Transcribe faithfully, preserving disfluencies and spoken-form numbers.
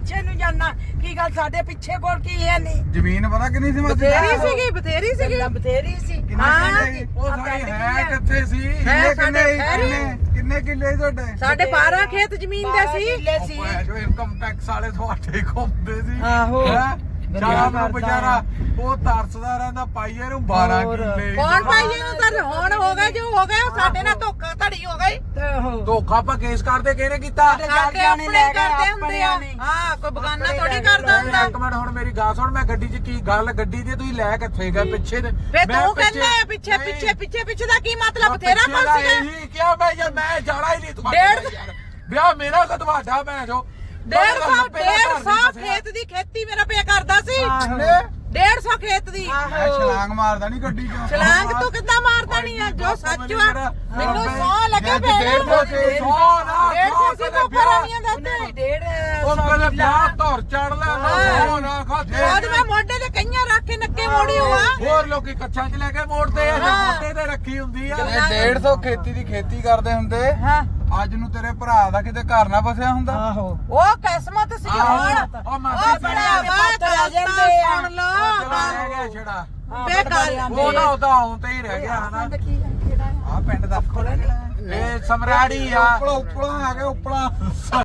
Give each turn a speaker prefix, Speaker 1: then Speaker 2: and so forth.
Speaker 1: ਪਿੱਛੇ ਨੂੰ ਜਾਣਾ ਕੀ ਗੱਲ ਸਾਡੇ ਪਿੱਛੇ ਕੋਲ ਕੀ ਹੈ ਨਹੀਂ
Speaker 2: ਜ਼ਮੀਨ ਪਤਾ ਕਿੰਨੀ ਸੀ ਮਾਸੀ
Speaker 3: ਬਥੇਰੀ ਸੀਗੀ ਬਥੇਰੀ ਸੀਗੀ
Speaker 1: ਬਥੇਰੀ ਸੀ
Speaker 3: ਹਾਂ
Speaker 2: ਉਹ ਸਾਡੀ ਹੈ ਕਿੱਥੇ ਸੀ
Speaker 3: ਹੈ
Speaker 2: ਕਿੰਨੇ
Speaker 3: ਸਾਡੇ ਖੈਰੀ।
Speaker 2: ਕਿੰਨੇ ਕਿੰਨੇ ਕਿੱਲੇ ਤੁਹਾਡੇ
Speaker 3: ਸਾਡੇ ਬਾਰਾਂ ਖੇਤ ਜ਼ਮੀਨ ਦੇ ਸੀ
Speaker 1: ਕਿੱਲੇ ਸੀ
Speaker 2: ਜੋ ਇਨਕਮ ਟੈਕਸ ਵਾਲੇ ਤੁਹਾਡੇ ਘੁੰਮਦੇ ਸੀ
Speaker 1: ਆਹੋ।
Speaker 2: ਹੈਂ? ਸ਼ਾਮ ਨੂੰ
Speaker 1: ਕਰਦਾ
Speaker 2: ਵਿਚਾਰਾ ਉਹ ਤਰਸਦਾ ਰਹਿੰਦਾ ਪਾਈਏ ਨੂੰ ਬਾਰਾਂ
Speaker 1: ਹੋਰ।
Speaker 2: ਕਿੱਲੇ
Speaker 3: ਕੌਣ ਪਾਈਏ ਨੂੰ ਤਾਂ ਹੁਣ ਹੋ ਗਏ ਜੋ ਹੋ ਗਏ ਸਾਡੇ ਨਾਲ ਧੋਖਾ ਧੜੀ ਹੋ ਗਈ
Speaker 1: ਤੇ ਉਹ
Speaker 2: ਧੋਖਾ ਆਪਾਂ ਕੇਸ ਕਰਦੇ ਕਿਹਨੇ ਕੀਤਾ
Speaker 3: ਸਾਡੇ ਆਪਣੇ ਕਰਦੇ ਹੁੰਦੇ ਆ ਹਾਂ ਕੋਈ ਬਗਾਨਾ ਥੋੜੀ ਕਰਦਾ ਹੁੰਦਾ
Speaker 2: ਇੱਕ ਮਿੰਟ ਹੁਣ ਮੇਰੀ ਗੱਲ ਸੁਣ ਮੈਂ ਗੱਡੀ 'ਚ ਕੀ ਗੱਲ ਗੱਡੀ ਦੀ ਤੁਸੀਂ ਲੈ ਕਿੱਥੇ ਗਏ ਪਿੱਛੇ ਤੇ
Speaker 3: ਫੇ
Speaker 2: ਮੈਂ
Speaker 3: ਤੂੰ ਕਹਿੰਦਾ ਹੈ ਪਿੱਛੇ
Speaker 2: ਨਹੀਂ।
Speaker 3: ਪਿੱਛੇ ਪਿੱਛੇ ਪਿੱਛੇ ਦਾ ਕੀ ਮਤਲਬ
Speaker 2: ਪਿੱਛੇ
Speaker 3: ਤੇਰਾ
Speaker 2: ਦਾ
Speaker 3: ਕੋਲ ਸੀਗਾ
Speaker 2: ਇਹੀ ਕਿਹਾ ਮੈਂ ਯਾਰ ਮੈਂ ਜਾਣਾ ਹੀ ਨਹੀਂ ਤੁਹਾਡੇ
Speaker 3: ਡੇਢ-
Speaker 2: ਨਾਲ ਯਾਰ। ਵਿਆਹ ਮੇਰਾ ਕਿ ਤੁਹਾਡਾ ਮੈਂ ਜੋ
Speaker 3: ਡੇਢ ਸੌ ਡੇਢ ਸੌ ਖੇਤ ਦੀ ਖੇਤੀ ਮੇਰਾ ਪਿਆ ਕਰਦਾ ਸੀ ਡੇਢ ਸੌ ਖੇਤ ਦੀ
Speaker 2: ਮੈਂ ਛਲਾਂਗ ਮਾਰਦਾ ਨਹੀਂ ਗੱਡੀ 'ਚੋਂ
Speaker 3: ਛਲਾਂਗ ਤੂੰ ਕਿੱਦਾਂ ਮਾਰਦਾ ਨਹੀਂ ਆ ਜੋ ਸੱਚ ਆ ਮੈਨੂੰ ਸੌ ਲੱਗੇ
Speaker 2: ਡੇਢ ਸੌ ਤੇ ਸੌ ਨਾ
Speaker 3: ਡੇਢ ਸੌ ਸੀ ਤੂੰ ਕਰਾਂੀਆਂ ਦਾ ਤੇ
Speaker 1: ਡੇਢ
Speaker 2: ਉਹ ਕਹਿੰਦੇ ਵਿਆਹ ਧੌਰ ਚੜ ਲੈ ਸੌ ਨਾ ਖਾਦੇ
Speaker 3: ਬਾਅਦ ਮੈਂ ਮੋਢੇ ਤੇ ਕਈਆਂ ਰੱਖ ਕੇ ਨੱਕੇ ਮੋੜੀ ਹੋਆ
Speaker 2: ਹੋਰ ਲੋਕੀ ਕੱਛਾਂ 'ਚ ਲੈ ਕੇ ਮੋੜਦੇ ਆ ਜਾਂ ਮੋਢੇ ਤੇ ਰੱਖੀ ਹੁੰਦੀ ਆ
Speaker 3: ਇਹ
Speaker 2: ਡੇਢ ਸੌ ਖੇਤੀ ਦੀ ਖੇਤੀ ਕਰਦੇ ਹੁੰਦੇ
Speaker 3: ਹਾਂ
Speaker 2: ਅੱਜ ਨੂੰ ਤੇਰੇ ਭਰਾ ਦਾ ਕਿਤੇ ਘਰ ਨਾ ਵਸਿਆ ਹੁੰਦਾ
Speaker 1: ਆਹੋ
Speaker 3: ਉਹ ਕਿਸਮਤ ਸੀ ਹੁਣ
Speaker 2: ਉਹ
Speaker 3: ਉਹ
Speaker 2: ਮਾਸੀ
Speaker 3: ਬਣਿਆ
Speaker 1: ਪੁੱਤ ਆ ਜਾਂਦੇ ਆ।
Speaker 3: ਸੁਣ ਲੋ
Speaker 2: ਰਹਿ ਗਿਆ ਛੜਾ
Speaker 3: ਬੇਕਾਰ
Speaker 2: ਉਹ ਨਾ ਉਹਦਾ ਆਉਂ ਤੇ ਹੀ ਰਹਿ ਗਿਆ ਹਨਾ ਆ ਪਿੰਡ ਦਾ ਇਹ ਸਮਰਾੜੀ ਆ ਉਪਲਾ ਉਪਲਾ ਆ ਗਿਆ ਉਪਲਾ